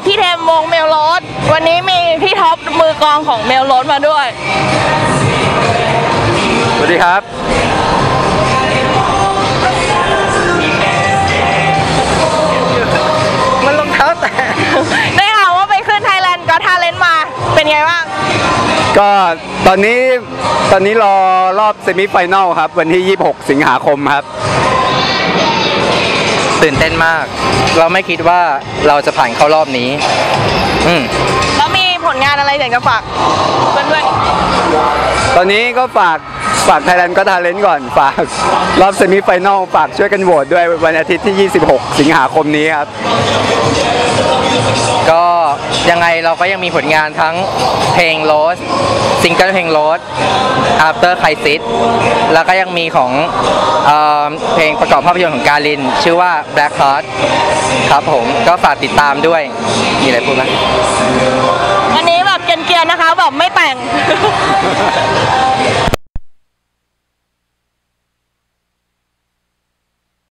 พี่เทมวงเมลโรสวันนี้มีพี่ท็อปมือกลองของเมลโรสมาด้วยสวัสดีครับมันรองเท้าแตะได้ข่าวว่าไปขึ้น Thailand Got Talent มาเป็นไงบ้างก็ตอนนี้รอรอบเซมิไฟแนลครับวันที่26 สิงหาคมครับตื่นเต้นมากเราไม่คิดว่าเราจะผ่านเข้ารอบนี้แล้วมีผลงานอะไรอยากจะฝากเพื่อนๆตอนนี้ก็ฝาก Thailand Got Talent ก่อนฝากรอบเซมิไฟแนลฝากช่วยกันโหวตด้วยวันอาทิตย์ที่26 สิงหาคมนี้ครับก็ยังไงเราก็ยังมีผลงานทั้งเพลงโรสซิงเกิลเพลงโรส After Crisis แล้วก็ยังมีของเพลงประกอบภาพยนตร์ของกาลินชื่อว่า Black Heart ครับผมก็ฝากติดตามด้วยมีอะไรพูดไหมอันนี้แบบเกรียนๆนะคะแบบไม่แต่ง